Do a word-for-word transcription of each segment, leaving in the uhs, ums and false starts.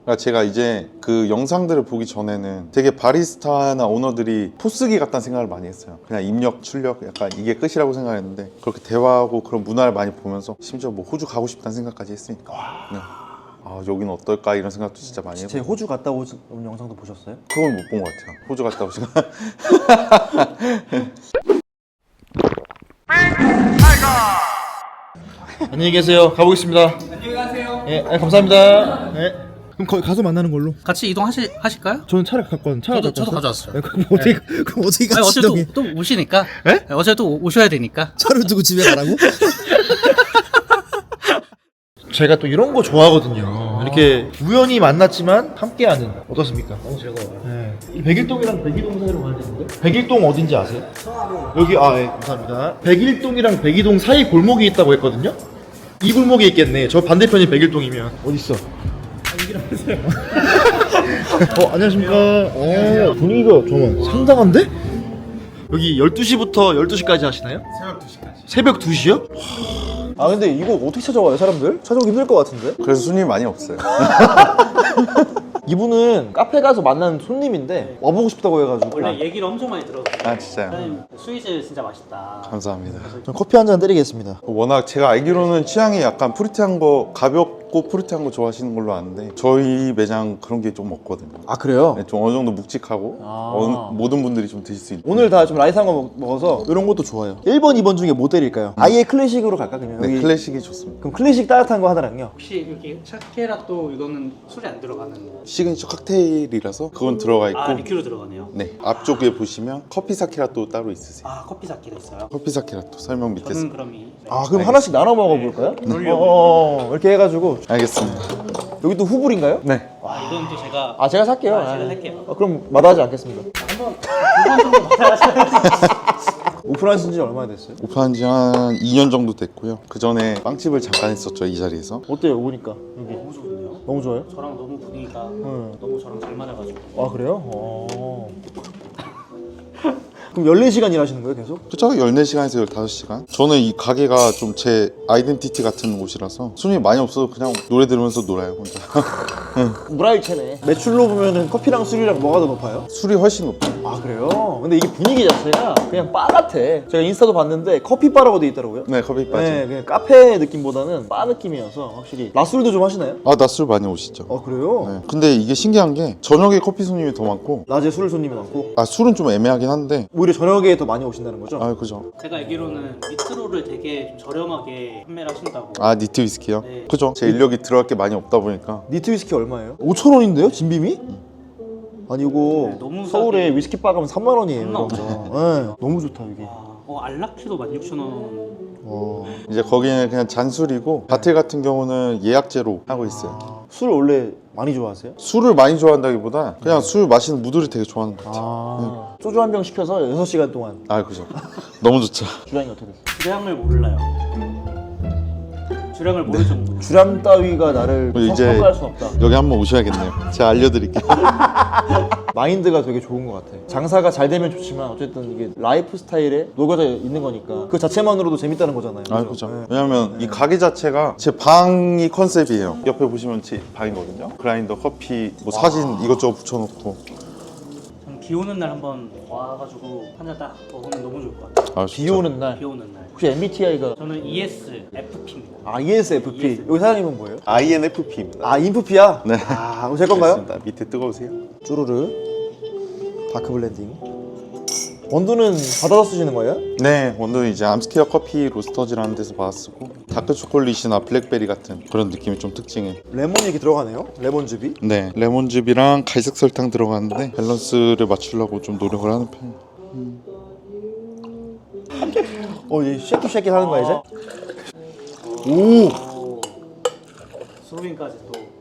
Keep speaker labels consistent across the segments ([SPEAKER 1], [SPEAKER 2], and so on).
[SPEAKER 1] 그러니까 제가 이제 그 영상들을 보기 전에는 되게 바리스타나 오너들이 포스기 같다는 생각을 많이 했어요. 그냥 입력, 출력 약간 이게 끝이라고 생각했는데 그렇게 대화하고 그런 문화를 많이 보면서 심지어 뭐 호주 가고 싶다는 생각까지 했으니까 네. 아 여기는 어떨까 이런 생각도 진짜 많이
[SPEAKER 2] 제
[SPEAKER 1] 해보고
[SPEAKER 2] 호주 갔다 온 영상도 보셨어요?
[SPEAKER 1] 그건 못 본 것 같아요. 호주 갔다 오시면
[SPEAKER 3] 안녕히 계세요. 가보겠습니다. 안녕히 가세요. 예, 네, 감사합니다. 네. 그럼 거기 가서 만나는 걸로.
[SPEAKER 4] 같이 이동하실 하실까요?
[SPEAKER 3] 저는 차를 갖고 왔는데 차를
[SPEAKER 4] 저도
[SPEAKER 3] 갖고
[SPEAKER 4] 저도
[SPEAKER 3] 왔어요?
[SPEAKER 4] 가져왔어요.
[SPEAKER 3] 네, 그럼 어떻게 그럼 어떻게
[SPEAKER 4] 아니,
[SPEAKER 3] 같이
[SPEAKER 4] 어차피
[SPEAKER 3] 이동해?
[SPEAKER 4] 또, 또 오시니까.
[SPEAKER 3] 에?
[SPEAKER 4] 네, 어차피 또 오셔야 되니까.
[SPEAKER 3] 차를 두고 집에 가라고? 제가 또 이런 거 좋아하거든요. 이렇게 우연히 만났지만 함께하는 어떻습니까? 너무 즐거워요. 네. 이 백일동이랑 백이동 사이로 가야 되는데 백일동 어딘지 아세요? 여기 아 예 감사합니다. 백일동이랑 백이동 사이 골목이 있다고 했거든요. 이 골목에 있겠네. 저 반대편이 백일동이면 어디 있어? 어 안녕하십니까. 어 분위기가 정말 상당한데? 여기 열두 시부터 열두 시까지 하시나요? 새벽 두 시까지. 새벽 두 시요?
[SPEAKER 2] 아 근데 이거 어떻게 찾아와요 사람들? 찾아오기 힘들 것 같은데?
[SPEAKER 1] 그래서 손님이 많이 없어요.
[SPEAKER 2] 이분은 카페 가서 만난 손님인데 와보고 싶다고 해가지고
[SPEAKER 4] 원래 얘기를 엄청 많이 들었어요.
[SPEAKER 1] 아 진짜요?
[SPEAKER 4] 사장님 스위즈 진짜 맛있다.
[SPEAKER 1] 감사합니다.
[SPEAKER 2] 좀 커피 한 잔 때리겠습니다.
[SPEAKER 1] 워낙 제가 알기로는 취향이 약간 프루티한 거 가볍고 프루티한 거 좋아하시는 걸로 아는데 저희 매장 그런 게 좀 없거든요.
[SPEAKER 2] 아 그래요?
[SPEAKER 1] 네, 좀 어느 정도 묵직하고
[SPEAKER 2] 아.
[SPEAKER 1] 어느- 모든 분들이 좀 드실 수 있는
[SPEAKER 2] 오늘 다 좀 라이트한 거 먹- 먹어서 이런 것도 좋아요. 일 번, 이 번 중에 뭐 때릴까요? 아예 클래식으로 갈까 그냥?
[SPEAKER 1] 네,
[SPEAKER 2] 여기-
[SPEAKER 1] 클래식이 좋습니다.
[SPEAKER 2] 그럼 클래식 따뜻한 거 하나랑요.
[SPEAKER 4] 혹시 여기 차케라또 이거는 술이 안 들어가는
[SPEAKER 1] 시그니처 칵테일이라서 그건 들어가 있고
[SPEAKER 4] 아 리큐로 들어가네요.
[SPEAKER 1] 네 앞쪽에 보시면 커피 사키라또 따로 있으세요.
[SPEAKER 4] 아 커피 사키가 있어요.
[SPEAKER 1] 커피 사키라또 설명 밑에
[SPEAKER 4] 저는
[SPEAKER 1] 서
[SPEAKER 4] 그럼 이 네.
[SPEAKER 2] 아 그럼 하나씩 나눠 먹어볼까요? 어, 어, 어, 이렇게 해가지고
[SPEAKER 1] 알겠습니다.
[SPEAKER 2] 여기 또 후불인가요?
[SPEAKER 1] 네.
[SPEAKER 4] 아 이건 또 제가
[SPEAKER 2] 아 제가 살게요.
[SPEAKER 4] 아, 제가
[SPEAKER 2] 아,
[SPEAKER 4] 살게요.
[SPEAKER 2] 아, 그럼 마다하지 않겠습니다.
[SPEAKER 4] 한번 두번 정도 받아야
[SPEAKER 2] 오픈하신 지 얼마나 됐어요?
[SPEAKER 1] 오픈한 지 한 이 년 정도 됐고요. 그 전에 빵집을 잠깐 했었죠, 이 자리에서.
[SPEAKER 2] 어때요 오니까 여기?
[SPEAKER 4] 너무 좋네요.
[SPEAKER 2] 너무 좋아요?
[SPEAKER 4] 저랑 너무 분위기가
[SPEAKER 2] 응.
[SPEAKER 4] 너무 저랑 잘 맞아가지고.
[SPEAKER 2] 아 그래요? 어. 그럼 열네 시간 일하시는 거예요 계속?
[SPEAKER 1] 그쵸? 열네 시간에서 열다섯 시간. 저는 이 가게가 좀 제 아이덴티티 같은 곳이라서 손님이 많이 없어도 그냥 노래 들으면서 놀아요, 혼자.
[SPEAKER 2] 무라일체네. 매출로 보면은 커피랑 술이랑 뭐가 더 높아요?
[SPEAKER 1] 술이 훨씬 높아요.
[SPEAKER 2] 아 그래요? 근데 이게 분위기 자체가 그냥 바 같아. 제가 인스타도 봤는데 커피바라고 돼 있더라고요.
[SPEAKER 1] 네, 커피 빠지.
[SPEAKER 2] 네, 그냥 카페 느낌보다는 바 느낌이어서 확실히. 낮술도 좀 하시나요?
[SPEAKER 1] 아, 나 술 많이 오시죠.
[SPEAKER 2] 아 그래요?
[SPEAKER 1] 네. 근데 이게 신기한 게 저녁에 커피 손님이 더 많고
[SPEAKER 2] 낮에 술 손님이 많고
[SPEAKER 1] 아 술은 좀 애매하긴 한데
[SPEAKER 2] 오히려 저녁에 더 많이 오신다는 거죠?
[SPEAKER 1] 아 그죠.
[SPEAKER 4] 제가 알기로는 니트로를 되게 좀 저렴하게 판매를 하신다고.
[SPEAKER 1] 아 니트 위스키요?
[SPEAKER 4] 네.
[SPEAKER 1] 그죠. 제 인력이 들어갈 게 많이 없다 보니까
[SPEAKER 2] 니트 위스키 얼마예요? 오천 원인데요? 진빔이? 아니 이거
[SPEAKER 4] 네, 너무
[SPEAKER 2] 서울에
[SPEAKER 4] 싸게.
[SPEAKER 2] 위스키 바 가면 삼만 원이에요.
[SPEAKER 4] 삼만 원.
[SPEAKER 2] 네, 너무 좋다 여기.
[SPEAKER 4] 아, 어 알라키도 만 육천 원.
[SPEAKER 2] 와.
[SPEAKER 1] 이제 거기는 그냥 잔술이고 바틀 같은 경우는 예약제로 하고 있어요.
[SPEAKER 2] 아, 술 원래 많이 좋아하세요?
[SPEAKER 1] 술을 많이 좋아한다기보다 그냥 술 마시는 무들이 되게 좋아하는 것 같아요.
[SPEAKER 2] 아, 소주 한 병 시켜서 여섯 시간 동안.
[SPEAKER 1] 아 그죠. 너무 좋죠.
[SPEAKER 2] 주량이 어떻게 됐어요?
[SPEAKER 4] 주량을 몰라요. 주량을 모를 정도.
[SPEAKER 2] 주량 따위가 나를
[SPEAKER 1] 이제-
[SPEAKER 2] 이제... 평가할 수 없다.
[SPEAKER 1] 여기 한번 오셔야겠네요. 제가 알려드릴게요.
[SPEAKER 2] 마인드가 되게 좋은 것 같아. 장사가 잘 되면 좋지만 어쨌든 이게 라이프 스타일에 녹아져 있는 거니까 그 자체만으로도 재밌다는 거잖아요.
[SPEAKER 1] 아
[SPEAKER 2] 그죠?
[SPEAKER 1] 그죠.
[SPEAKER 2] 네.
[SPEAKER 1] 왜냐면 이 가게 자체가 제 방이 컨셉이에요. 옆에 보시면 제 방이거든요. 그라인더, 커피, 뭐 사진 이것저것 붙여놓고.
[SPEAKER 4] 저는 비 오는 날 한번 와가지고 한 잔 딱 먹으면 너무 좋을 것 같아요.
[SPEAKER 1] 아,
[SPEAKER 2] 비 오는 날.
[SPEAKER 4] 비 오는 날.
[SPEAKER 2] 혹시 엠비티아이가
[SPEAKER 4] 저는 이에스에프피입니다.
[SPEAKER 2] 아 이에스에프피. 여기 사장님은 뭐예요?
[SPEAKER 1] 아이엔에프피입니다.
[SPEAKER 2] 아 인프피야?
[SPEAKER 1] 네.
[SPEAKER 2] 아 그럼 제 건가요?
[SPEAKER 1] 알겠습니다. 밑에 뜨거우세요?
[SPEAKER 2] 쭈루르 다크 블렌딩. 원두는 받아서 쓰시는 거예요?
[SPEAKER 1] 네, 원두는 이제 암스테어 커피 로스터즈라는 데서 받아쓰고 다크 초콜릿이나 블랙베리 같은 그런 느낌이 좀 특징이에요.
[SPEAKER 2] 레몬이 이렇게 들어가네요. 레몬즙이.
[SPEAKER 1] 네, 레몬즙이랑 갈색 설탕 들어가는데 밸런스를 맞추려고 좀 노력을 하는 편이에요.
[SPEAKER 2] 어 이제 쉐킷 쉐킷 하는 거야 이제?
[SPEAKER 4] 오. 스로빈까지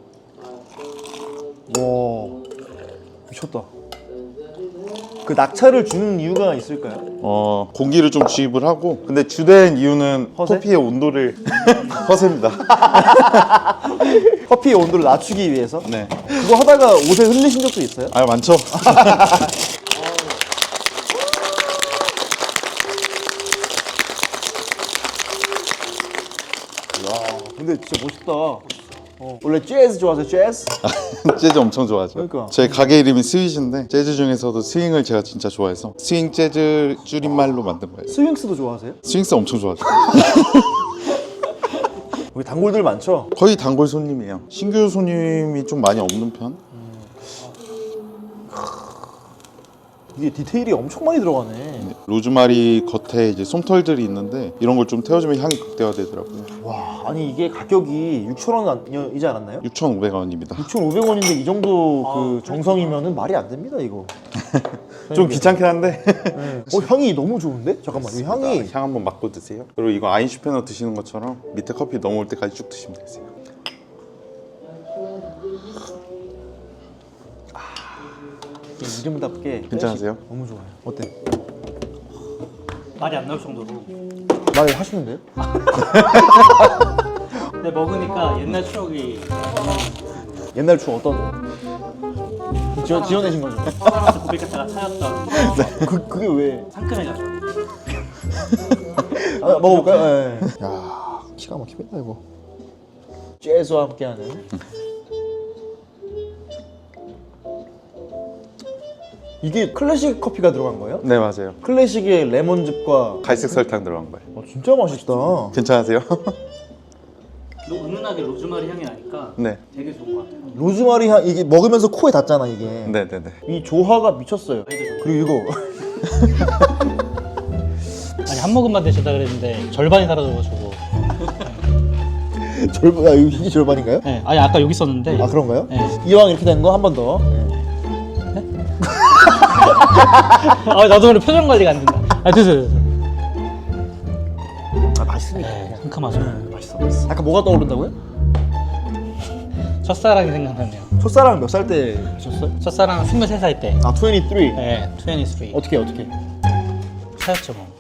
[SPEAKER 4] 또.
[SPEAKER 2] 와 미쳤다. 그 낙차를 주는 이유가 있을까요?
[SPEAKER 1] 어, 공기를 좀 주입을 하고 근데 주된 이유는
[SPEAKER 2] 허세?
[SPEAKER 1] 커피의 온도를 허세입니다.
[SPEAKER 2] 커피의 온도를 낮추기 위해서?
[SPEAKER 1] 네,
[SPEAKER 2] 그거 하다가 옷에 흘리신 적도 있어요?
[SPEAKER 1] 아 많죠.
[SPEAKER 2] 와 근데 진짜 멋있다. 어. 원래 재즈 좋아하세요? 재즈?
[SPEAKER 1] 재즈 엄청 좋아하죠.
[SPEAKER 2] 그러니까.
[SPEAKER 1] 저희 가게 이름이 스윗인데 재즈 중에서도 스윙을 제가 진짜 좋아해서 스윙 재즈 줄임말로 만든 거예요.
[SPEAKER 2] 스윙스도 좋아하세요?
[SPEAKER 1] 스윙스 엄청 좋아하죠.
[SPEAKER 2] 여기 단골들 많죠?
[SPEAKER 1] 거의 단골 손님이에요. 신규 손님이 좀 많이 없는 편?
[SPEAKER 2] 이게 디테일이 엄청 많이 들어가네.
[SPEAKER 1] 로즈마리 겉에 이제 솜털들이 있는데 이런 걸 좀 태워주면 향이 극대화되더라고요.
[SPEAKER 2] 와, 아니 이게 가격이 육천 원이지 않았나요?
[SPEAKER 1] 육천오백 원입니다.
[SPEAKER 2] 육천오백 원인데 이 정도 그 정성이면은 말이 안 됩니다 이거.
[SPEAKER 1] 좀 귀찮긴 한데
[SPEAKER 2] 네. 어 향이 너무 좋은데? 잠깐만 이 향이
[SPEAKER 1] 향 한번 맡고 드세요. 그리고 이거 아인슈페너 드시는 것처럼 밑에 커피 넘어올 때까지 쭉 드시면 되세요.
[SPEAKER 2] 이름답게
[SPEAKER 1] 괜찮으세요?
[SPEAKER 2] 너무 좋아요. 어때?
[SPEAKER 4] 말이 안 나올 정도로.
[SPEAKER 2] 말 하시는데요?
[SPEAKER 4] 근데 먹으니까 옛날 추억이
[SPEAKER 2] 옛날 추억 어떤? 지어, 지어내신 거죠?
[SPEAKER 4] 퍼바란스 고백했다가 차였던
[SPEAKER 2] 그, 그게 왜?
[SPEAKER 4] 상큼해졌어.
[SPEAKER 2] 아, 먹어볼까요? 네. 야 기가 막히겠다 이거. 재즈와 함께하는 이게 클래식 커피가 들어간 거예요?
[SPEAKER 1] 네 맞아요.
[SPEAKER 2] 클래식의 레몬즙과
[SPEAKER 1] 갈색 설탕 들어간 거예요.
[SPEAKER 2] 어, 진짜 맛있다.
[SPEAKER 1] 괜찮으세요?
[SPEAKER 4] 로- 은은하게 로즈마리 향이 나니까
[SPEAKER 1] 네.
[SPEAKER 4] 되게 좋은 것 같아요.
[SPEAKER 2] 로즈마리 향 이게 먹으면서 코에 닿잖아 이게.
[SPEAKER 1] 네네네.
[SPEAKER 2] 이 조화가 미쳤어요. 그리고 이거
[SPEAKER 4] 아니 한 모금만 드시다 그랬는데 절반이 사라져가지고.
[SPEAKER 2] 절반, 아, 이게 절반인가요?
[SPEAKER 4] 네, 아니 아까 여기 있었는데.
[SPEAKER 2] 아 그런가요?
[SPEAKER 4] 네.
[SPEAKER 2] 이왕 이렇게 된 거 한 번 더.
[SPEAKER 4] 아 나도 오늘 표정 관리가 안 된다. 아 드세요. 드세요.
[SPEAKER 2] 아 맛있으니까.
[SPEAKER 4] 네, 상큼하죠.
[SPEAKER 2] 맛있어, 맛있어. 아까 뭐가 떠오른다고요?
[SPEAKER 4] 첫사랑이 생각나네요.
[SPEAKER 2] 첫사랑 몇 살 때 하셨어요?
[SPEAKER 4] 첫사랑 스물세 살 때.
[SPEAKER 2] 아, 이십삼.
[SPEAKER 4] 네, 이십삼.
[SPEAKER 2] 어떻게 어떻게?
[SPEAKER 4] 차였죠 뭐.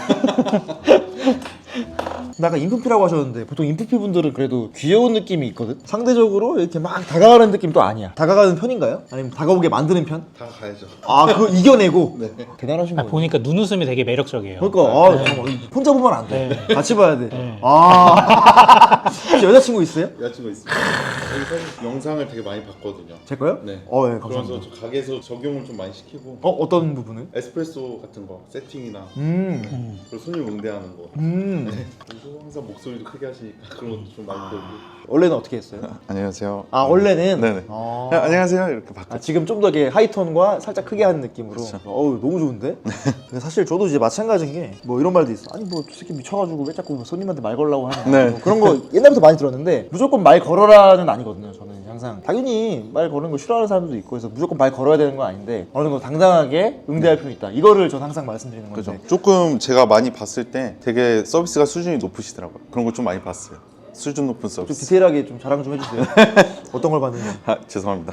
[SPEAKER 2] 근데 아까 인프피라고 하셨는데 보통 인프피 분들은 그래도 귀여운 느낌이 있거든? 상대적으로 이렇게 막 다가가는 느낌도 아니야. 다가가는 편인가요? 아니면 다가오게 만드는 편?
[SPEAKER 1] 다 가야죠.
[SPEAKER 2] 아, 그거 이겨내고? 대단하신
[SPEAKER 4] 아,
[SPEAKER 2] 거예요.
[SPEAKER 4] 보니까 눈웃음이 되게 매력적이에요.
[SPEAKER 2] 그러니까 아, 잠깐만. 혼자 보면 안 돼.
[SPEAKER 4] 네.
[SPEAKER 2] 같이 봐야 돼.
[SPEAKER 4] 네.
[SPEAKER 2] 아, 혹시 여자친구 있어요?
[SPEAKER 1] 여자친구 있습니다. 여기 사실 영상을 되게 많이 봤거든요.
[SPEAKER 2] 제 거요?
[SPEAKER 1] 네.
[SPEAKER 2] 어, 예,
[SPEAKER 1] 그래서
[SPEAKER 2] 감사합니다.
[SPEAKER 1] 저 가게에서 적용을 좀 많이 시키고
[SPEAKER 2] 어, 어떤 부분을?
[SPEAKER 1] 에스프레소 같은 거 세팅이나
[SPEAKER 2] 음,
[SPEAKER 4] 음.
[SPEAKER 1] 그리고 손님 응대하는 거.
[SPEAKER 2] 음.
[SPEAKER 1] 그리고 항상 목소리도 크게 하시니까 그런 것도 좀 많이 배우고.
[SPEAKER 2] 원래는 어떻게 했어요?
[SPEAKER 1] 안녕하세요.
[SPEAKER 2] 아, 원래는?
[SPEAKER 1] 네네.
[SPEAKER 2] 아.
[SPEAKER 1] 야, 안녕하세요 이렇게 바꿔.
[SPEAKER 2] 아, 지금 좀 더 하이톤과 살짝 크게 하는 느낌으로. 어우, 너무 좋은데? 근데 사실 저도 이제 마찬가지인 게 뭐 이런 말도 있어. 아니 뭐 저 새끼 미쳐가지고 왜 자꾸 손님한테 말 걸라고 하냐.
[SPEAKER 1] 네.
[SPEAKER 2] 뭐 그런 거 옛날부터 많이 들었는데 무조건 말 걸어라는 아니거든요. 저는 항상 당연히 말 거는 거 싫어하는 사람도 있고 해서 무조건 말 걸어야 되는 건 아닌데 어느 정도 당당하게 응대할 필요 있다. 이거를 저는 항상 말씀드리는 건데.
[SPEAKER 1] 그죠. 조금 제가 많이 봤을 때 되게 서비스가 수준이 높으시더라고요. 그런 걸 좀 많이 봤어요. 수준 높은
[SPEAKER 2] 좀
[SPEAKER 1] 서비스.
[SPEAKER 2] 디테일하게 좀 자랑 좀 해주세요. 어떤 걸 봤는지.
[SPEAKER 1] 아, 죄송합니다.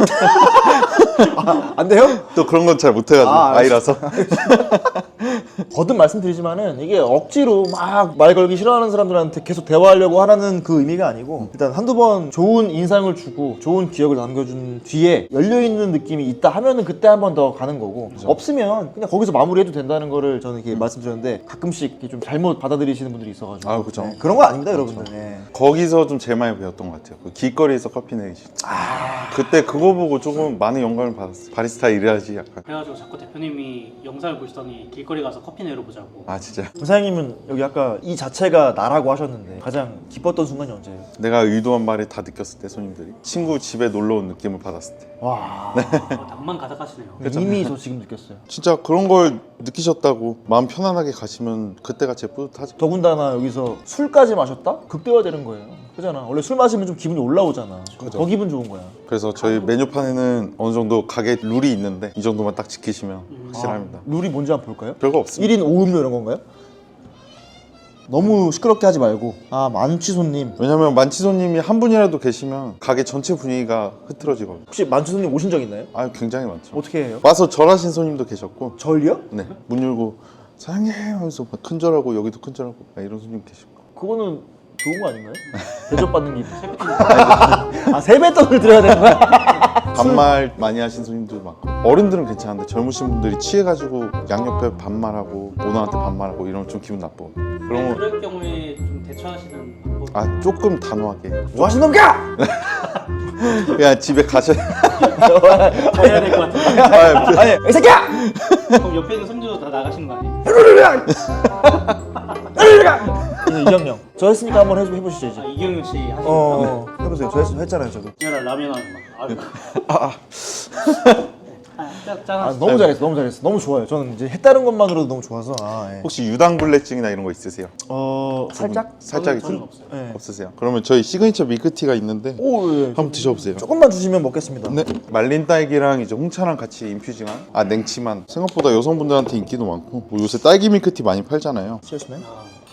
[SPEAKER 2] 아, 안 돼요?
[SPEAKER 1] 또 그런 건 잘 못해가지고
[SPEAKER 2] 아,
[SPEAKER 1] 아이라서.
[SPEAKER 2] 거듭 말씀드리지만은 이게 억지로 막 말 걸기 싫어하는 사람들한테 계속 대화하려고 하라는 그 의미가 아니고 일단 한두 번 좋은 인상을 주고 좋은 기억을 남겨준 뒤에 열려있는 느낌이 있다 하면은 그때 한 번 더 가는 거고 없으면 그냥 거기서 마무리해도 된다는 거를 저는 이렇게 말씀드렸는데 가끔씩 이렇게 좀 잘못 받아들이시는 분들이 있어가지고
[SPEAKER 1] 아, 그죠.
[SPEAKER 2] 네, 그런 거 아닙니다 여러분들. 네.
[SPEAKER 1] 거기서 좀 제일 많이 배웠던 것 같아요. 그 길거리에서 커피 내리시. 그때 그거 보고 조금 많은 영감을 받았어요. 바리스타 일해야지 약간.
[SPEAKER 4] 그래가지고 자꾸 대표님이 영상을 보시더니 길거리 가서 커피 내려보자고.
[SPEAKER 1] 아 진짜.
[SPEAKER 2] 사장님은 여기 아까 이 자체가 나라고 하셨는데 가장 기뻤던 순간이 언제예요?
[SPEAKER 1] 내가 의도한 말을 다 느꼈을 때 손님들이 친구 집에 놀러 온 느낌을 받았을 때.
[SPEAKER 2] 와
[SPEAKER 4] 어, 낭만 가득하시네요.
[SPEAKER 2] 이미 저 지금 느꼈어요.
[SPEAKER 1] 진짜 그런 걸 느끼셨다고 마음 편안하게 가시면 그때가 제일 뿌듯하죠.
[SPEAKER 2] 더군다나 여기서 술까지 마셨다? 극대화되는 거예요. 그잖아. 원래 술 마시면 좀 기분이 올라오잖아.
[SPEAKER 1] 그죠.
[SPEAKER 2] 더 기분 좋은 거야.
[SPEAKER 1] 그래서 저희 메뉴판에는 어느 정도 가게 룰이 있는데 이 정도만 딱 지키시면 확실합니다.
[SPEAKER 2] 아, 룰이 뭔지 한번 볼까요?
[SPEAKER 1] 별거 없습니다.
[SPEAKER 2] 일 인 오 음료 이런 건가요? 너무 시끄럽게 하지 말고. 아 만취 손님.
[SPEAKER 1] 왜냐면 만취 손님이 한 분이라도 계시면 가게 전체 분위기가 흐트러지거든요.
[SPEAKER 2] 혹시 만취 손님 오신 적 있나요?
[SPEAKER 1] 아 굉장히 많죠.
[SPEAKER 2] 어떻게 해요?
[SPEAKER 1] 와서 절하신 손님도 계셨고,
[SPEAKER 2] 절요?
[SPEAKER 1] 네, 문 열고 사장님 하면서 막 큰절하고 여기도 큰절하고 막 이런 손님 계시고.
[SPEAKER 2] 그거는 좋은 거 아닌가요? 대접받는 기분. 아 세뱃돈을 드려야 되는 거야?
[SPEAKER 1] 반말 많이 하신 손님도 많고, 어른들은 괜찮은데 젊으신 분들이 취해가지고 양옆에 반말하고 오너한테 반말하고 이러면 좀 기분 나빠. 그런 거
[SPEAKER 4] 그럴 경우에 좀 대처하시는 방법이
[SPEAKER 1] 아 조금 단호하게.
[SPEAKER 2] 뭐 하시는 놈이야?
[SPEAKER 1] 그냥 집에 가셔.
[SPEAKER 4] 해야 될 것 같은데.
[SPEAKER 1] 아,
[SPEAKER 2] 아니 이 새끼야!
[SPEAKER 4] 그럼 옆에 있는 손주도 다 나가시는 거 아니에요?
[SPEAKER 2] 이제 이경영 저 했으니까 한번 해보, 해보시죠 이제.
[SPEAKER 4] 아, 이경윤 씨 하시는 거.
[SPEAKER 2] 어 해보세요. 저 했, 했잖아요 저도.
[SPEAKER 4] 얘랑 라면 하는 거. 아유.
[SPEAKER 2] 아, 아.
[SPEAKER 4] 아, 짜, 짜.
[SPEAKER 2] 아 너무 잘했어 너무 잘했어 너무 좋아요. 저는 이제 했다는 것만으로도 너무 좋아서. 아, 예.
[SPEAKER 1] 혹시 유당불내증이나 이런 거 있으세요?
[SPEAKER 2] 어 살짝?
[SPEAKER 1] 살짝
[SPEAKER 4] 저는, 저는
[SPEAKER 1] 있-
[SPEAKER 4] 없어요.
[SPEAKER 2] 네.
[SPEAKER 1] 없으세요? 그러면 저희 시그니처 밀크티가 있는데
[SPEAKER 2] 오 예.
[SPEAKER 1] 한번 드셔보세요.
[SPEAKER 2] 조금만 주시면 먹겠습니다.
[SPEAKER 1] 네, 말린 딸기랑 이제 홍차랑 같이 인퓨징한 아 냉치만 생각보다 여성분들한테 인기도 많고 뭐 요새 딸기 밀크티 많이 팔잖아요.
[SPEAKER 2] 치얼스맨.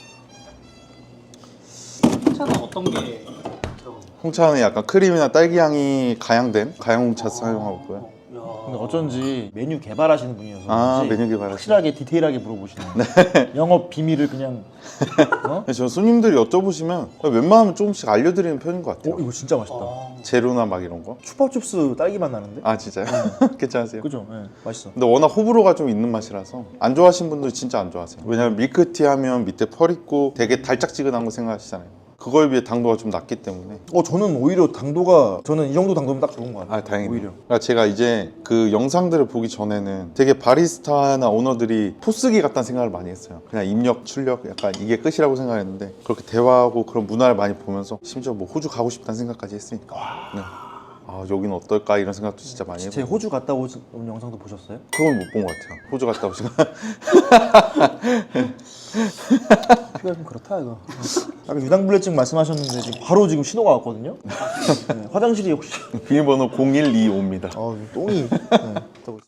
[SPEAKER 4] 차는 어떤 게 들어가요?
[SPEAKER 1] 홍차는 약간 크림이나 딸기 향이 가양된 가양 홍차 사용하고요.
[SPEAKER 4] 야.
[SPEAKER 2] 근데 어쩐지 메뉴 개발하시는 분이어서
[SPEAKER 1] 아,
[SPEAKER 2] 그런지
[SPEAKER 1] 메뉴 개발하시는
[SPEAKER 2] 확실하게 디테일하게 물어보시네요. 영업 비밀을 그냥 어?
[SPEAKER 1] 저 손님들이 여쭤보시면 웬만하면 조금씩 알려드리는 편인 것 같아요.
[SPEAKER 2] 어 이거 진짜 맛있다.
[SPEAKER 4] 어.
[SPEAKER 1] 제로나 막 이런 거.
[SPEAKER 2] 추파춥스 딸기 맛 나는데?
[SPEAKER 1] 아 진짜요? 괜찮으세요?
[SPEAKER 2] 그죠? 예, 맛있어.
[SPEAKER 1] 근데 워낙 호불호가 좀 있는 맛이라서 안 좋아하시는 분들 진짜 안 좋아하세요. 왜냐면 밀크티 하면 밑에 펄 있고 되게 달짝지근한 거 생각하시잖아요. 그거에 비해 당도가 좀 낮기 때문에.
[SPEAKER 2] 어 저는 오히려 당도가 저는 이 정도 당도면 딱 좋은 것 같아요.
[SPEAKER 1] 아 다행이네요.
[SPEAKER 2] 오히려.
[SPEAKER 1] 그러니까 제가 이제 그 영상들을 보기 전에는 되게 바리스타나 오너들이 포스기 같다는 생각을 많이 했어요. 그냥 입력, 출력 약간 이게 끝이라고 생각했는데 그렇게 대화하고 그런 문화를 많이 보면서 심지어 뭐 호주 가고 싶다는 생각까지 했으니까. 네. 아 여기는 어떨까 이런 생각도 진짜 많이
[SPEAKER 2] 제
[SPEAKER 1] 해요.
[SPEAKER 2] 호주 갔다 온 영상도 보셨어요?
[SPEAKER 1] 그건 못 본 것 같아요. 호주 갔다 오시고.
[SPEAKER 2] 피가 좀 그렇다 이거. 아까 유당불내증 말씀하셨는데 지금 바로 지금 신호가 왔거든요. 네, 화장실이 혹시
[SPEAKER 1] 비밀번호 공일이오입니다.
[SPEAKER 2] 아 똥이 네, 있다고.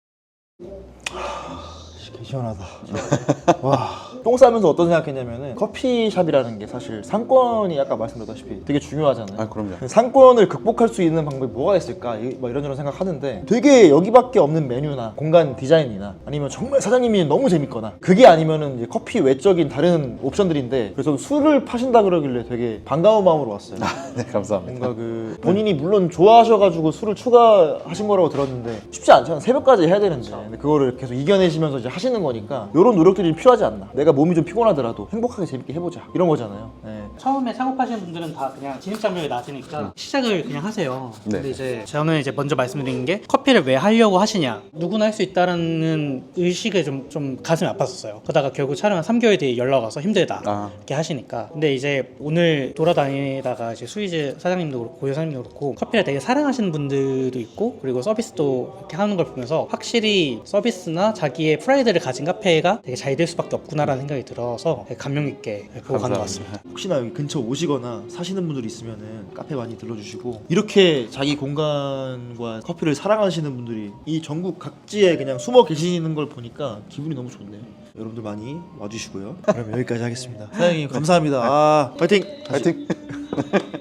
[SPEAKER 2] 개 시원하다. 와. 똥 싸면서 어떤 생각했냐면은 커피숍이라는 게 사실 상권이 아까 말씀드렸다시피 되게 중요하잖아요.
[SPEAKER 1] 아 그럼요.
[SPEAKER 2] 상권을 극복할 수 있는 방법이 뭐가 있을까? 이- 막 이런저런 생각하는데 되게 여기밖에 없는 메뉴나 공간 디자인이나 아니면 정말 사장님이 너무 재밌거나 그게 아니면은 이제 커피 외적인 다른 옵션들인데 그래서 술을 파신다 그러길래 되게 반가운 마음으로 왔어요.
[SPEAKER 1] 네 감사합니다.
[SPEAKER 2] 뭔가 그 본인이 물론 좋아하셔가지고 술을 추가하신 거라고 들었는데 쉽지 않잖아요. 새벽까지 해야 되는데 근데 그거를 계속 이겨내시면서 이제 하시는 거니까 이런 노력들이 필요하지 않나. 내가 몸이 좀 피곤하더라도 행복하게 재밌게 해보자 이런 거잖아요. 네.
[SPEAKER 4] 처음에 창업하시는 분들은 다 그냥 진입장벽이 낮으니까 시작을 그냥 하세요.
[SPEAKER 1] 네.
[SPEAKER 4] 근데 이제 저는 이제 먼저 말씀드린 게 커피를 왜 하려고 하시냐. 누구나 할 수 있다라는 의식에 좀, 좀 가슴이 아팠었어요. 그러다가 결국 촬영 한 삼 개월 뒤에 연락 와서 힘들다.
[SPEAKER 1] 아.
[SPEAKER 4] 이렇게 하시니까. 근데 이제 오늘 돌아다니다가 이제 수이즈 사장님도 그렇고 고유 사장님도 그렇고 커피를 되게 사랑하시는 분들도 있고 그리고 서비스도 이렇게 하는 걸 보면서 확실히 서비스나 자기의 프라이드를 가진 카페가 되게 잘 될 수밖에 없구나라는 생각이 들어서 되게 감명 있게 보고 가는 것 같습니다.
[SPEAKER 2] 혹시나 여기 근처 오시거나 사시는 분들이 있으면은 카페 많이 들러주시고 이렇게 자기 공간과 커피를 사랑하시는 분들이 이 전국 각지에 그냥 숨어 계시는 걸 보니까 기분이 너무 좋네요. 여러분들 많이 와주시고요. 그럼 여기까지 하겠습니다. 사장님 감사합니다. 아 파이팅!
[SPEAKER 1] 파이팅!